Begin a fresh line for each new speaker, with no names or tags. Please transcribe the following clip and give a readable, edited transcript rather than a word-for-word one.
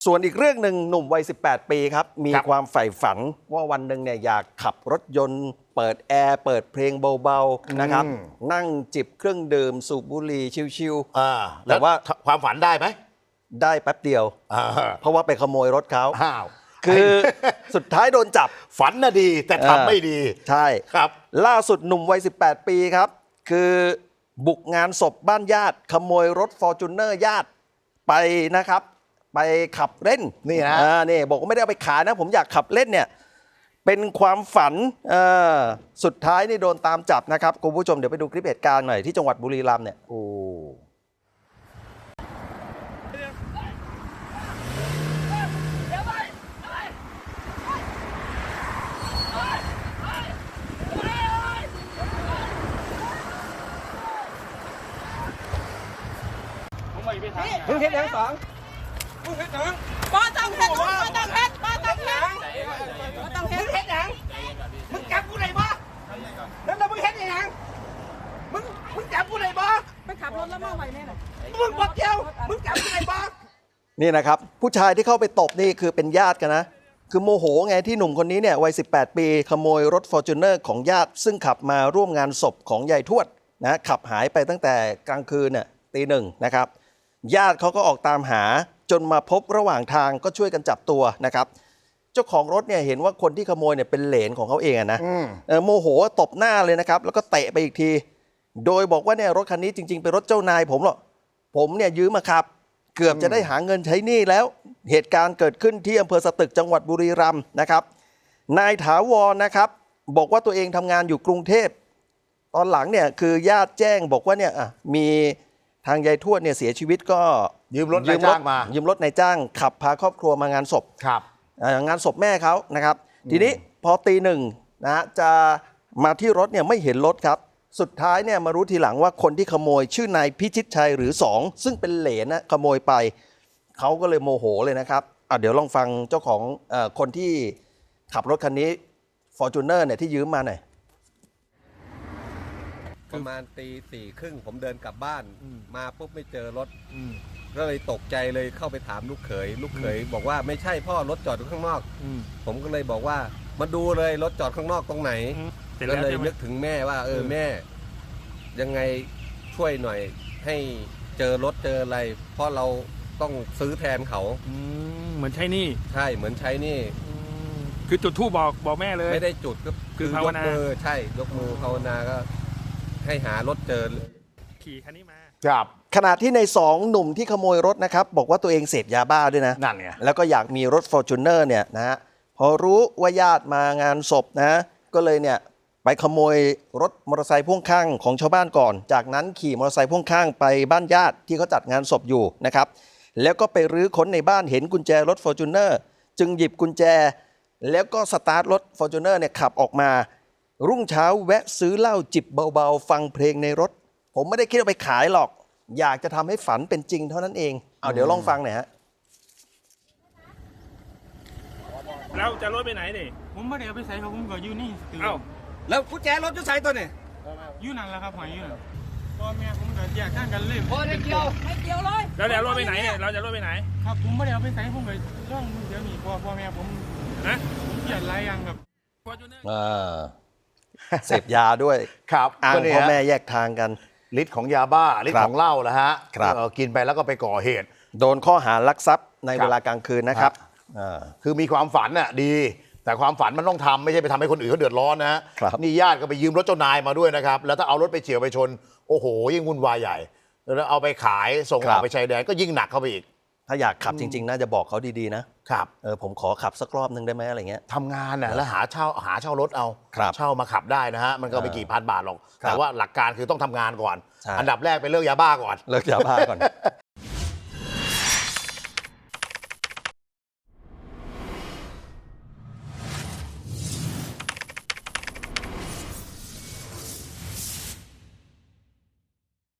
ส่วนอีกเรื่องหนึ่งหนุ่มวัย 18 ปีครับ มีความใฝ่ฝันว่าวันหนึ่งเนี่ยอยากขับรถยนต์เปิดแอร์เปิดเพลงเบาๆนะครับนั่งจิบเครื่องดื่มสูบบุหรี่ชิว
ๆแต่ว่าความฝันได้ไหม
ได้แป๊บเดียวเพราะว่าไปขโมยรถเขาคือสุดท้ายโดนจับ
ฝันน่ะดีแต่ทำไม่ดี
ใช่
ครับ
ล่าสุดหนุ่มวัย 18 ปีครับคือบุกงานศพบ้านญาติขโมยรถฟอร์จูเนอร์ญาติไปนะครับไปขับเล่น
นี่นะ
นี่บอกว่าไม่ได้เอาไปขายนะผมอยากขับเล่นเนี่ยเป็นความฝันสุดท้ายนี่โดนตามจับนะครับคุณผู้ชมเดี๋ยวไปดูคลิปเหตุการณ์หน่อยที่จังหวัดบุรีรัมย์เนี่ยโอ้
มึงเห็นยังสองมึงเห็นยังป้าต้องเห็นป้าต้องเห็นป้าต้องเห็นป้าต้องเห็นมึงเห็นยังมึงจับกูไหนบ้าแล้วมึงเห็นยังมึงจับกูไหนบ้าไปขับรถแล้วมาไหวแน่เลยมึงบอกเจ้ามึงจับกูไหนบ้า
นี่นะครับผู้ชายที่เข้าไปตบนี่คือเป็นญาติกันนะคือโมโหไงที่หนุ่มคนนี้เนี่ยวัย 18 ปีขโมยรถฟอร์จูเนอร์ของญาติซึ่งขับมาร่วมงานศพของยายทวดนะขับหายไปตั้งแต่กลางคืนเนี่ยตีหนึ่งนะครับญาติเขาก็ออกตามหาจนมาพบระหว่างทางก็ช่วยกันจับตัวนะครับเจ้าของรถเนี่ยเห็นว่าคนที่ขโมยเนี่ยเป็นเหลนของเขาเองนะโมโหตบหน้าเลยนะครับแล้วก็เตะไปอีกทีโดยบอกว่าเนี่ยรถคันนี้จริงๆเป็นรถเจ้านายผมหรอกผมเนี่ยยืมมาขับเกือบจะได้หาเงินใช้หนี้แล้วเหตุการณ์เกิดขึ้นที่อำเภอสตึกจังหวัดบุรีรัมย์นะครับนายถาวรนะครับบอกว่าตัวเองทำงานอยู่กรุงเทพตอนหลังเนี่ยคือญาติแจ้งบอกว่าเนี่ยมีทางยายทวดเนี่ยเสียชีวิตก็
ยืมรถนายจ้างมา
ยืมรถนายจ้างขับพาครอบครัวมางานศพงานศพแม่เขานะครับทีนี้พอตีหนึ่งนะจะมาที่รถเนี่ยไม่เห็นรถครับสุดท้ายเนี่ยมารู้ทีหลังว่าคนที่ขโมยชื่อนายพิชิตชัยหรือ2ซึ่งเป็นเหลนนะขโมยไปเขาก็เลยโมโหเลยนะครับเดี๋ยวลองฟังเจ้าของคนที่ขับรถคันนี้ Fortuner เนี่ยที่ยืมมาหน่อย
ประมาณตี 4:30ผมเดินกลับบ้านมาปุ๊บไม่เจอรถก็เลยตกใจเลยเข้าไปถามลูกเขยบอกว่าไม่ใช่พ่อรถจอดอยู่ข้างนอกผมก็เลยบอกว่ามาดูเลยรถจอดข้างนอกตรงไหนก็เลยนึกถึงแม่ว่าแม่ยังไงช่วยหน่อยให้เจอรถเจออะไรเพราะเราต้องซื้อแทนเขา
เหมือนใช้หนี้
ใช่เหมือนใช้หนี้
คือจุดธูปบอกแม่เลย
ไม่ได้จุดก็
คือภาวนา
ใช่ยกมือภาวนาก็ให้หารถเจอ
ขี่คันนี้มา
ครับขณะที่ใน2หนุ่มที่ขโมยรถนะครับบอกว่าตัวเองเสพยาบ้าด้วยนะ
นั่นไง
แล้วก็อยากมีรถ Fortuner เนี่ยนะฮะพอรู้ว่าญาติมางานศพนะก็เลยเนี่ยไปขโมยรถมอเตอร์ไซค์พ่วงข้างของชาวบ้านก่อนจากนั้นขี่มอเตอร์ไซค์พ่วงข้างไปบ้านญาติที่เขาจัดงานศพอยู่นะครับแล้วก็ไปรื้อค้นในบ้านเห็นกุญแจรถ Fortuner จึงหยิบกุญแจแล้วก็สตาร์ทรถ Fortuner เนี่ยขับออกมารุ่งเช้าแวะซื้อเหล้าจิบเบาๆฟังเพลงในรถผมไม่ได้คิดเอาไปขายหรอกอยากจะทำให้ฝันเป็นจริงเท่านั้นเองเดี๋ยวลองฟังหน่อยฮะ
แล้วจะรถไปไหนนี่
ผมไม่ได้เอาไปใส่ครับผมก็อยู่นี่
แล้วกุญแจรถจะใส่ตัวนี่
อยู่นั่นแหละครับหอยอยู่พ่อแม่ผมก็แยกทางกันเลย
พ่อไม่เกี่ยวเลยแล้วจะรถไปไหนเนี่ยเราจะรถไปไหน
ครับผมไม่ได้เอาไปใส่ผมก็ร่องเดี๋ยวนี้พ่อแม่ผม
นะ
เกียดไรยังแบบ
เสพยาด้วย
ครับ
อ้างพ่อแม่แยกทางกัน
ฤทธิ์ของยาบ้าฤทธิ์ของเหล้านะฮะกินไปแล้วก็ไปก่อเหตุ
โดนข้อหาลักทรัพย์ในเวลากลางคืนนะครับ
คือมีความฝันน่ะดีแต่ความฝันมันต้องทำไม่ใช่ไปทำให้คนอื่นเขาเดือดร้อนนะฮะนี่ญาติก็ไปยืมรถเจ้านายมาด้วยนะครับแล้วถ้าเอารถไปเฉี่ยวไปชนโอ้โหยิ่งวุ่นวายใหญ่แล้วเอาไปขายส่งออกไปชายแดนก็ยิ่งหนักเข้าไปอีก
ถ้าอยากขับจริงๆน่าจะบอกเขาดีๆนะครับผมขอขับสักรอบนึงได้ไหมอะไรเงี้ย
ทำงานน่ะแล้วหาเช่ารถเอาเช่ามาขับได้นะฮะมันก็ไม่กี่พันบาทหรอกแต่ว่าหลักการคือต้องทำงานก่อนอันดับแรกเป็นเลิกยาบ้าก่อน
เลิกยาบ้าก่อน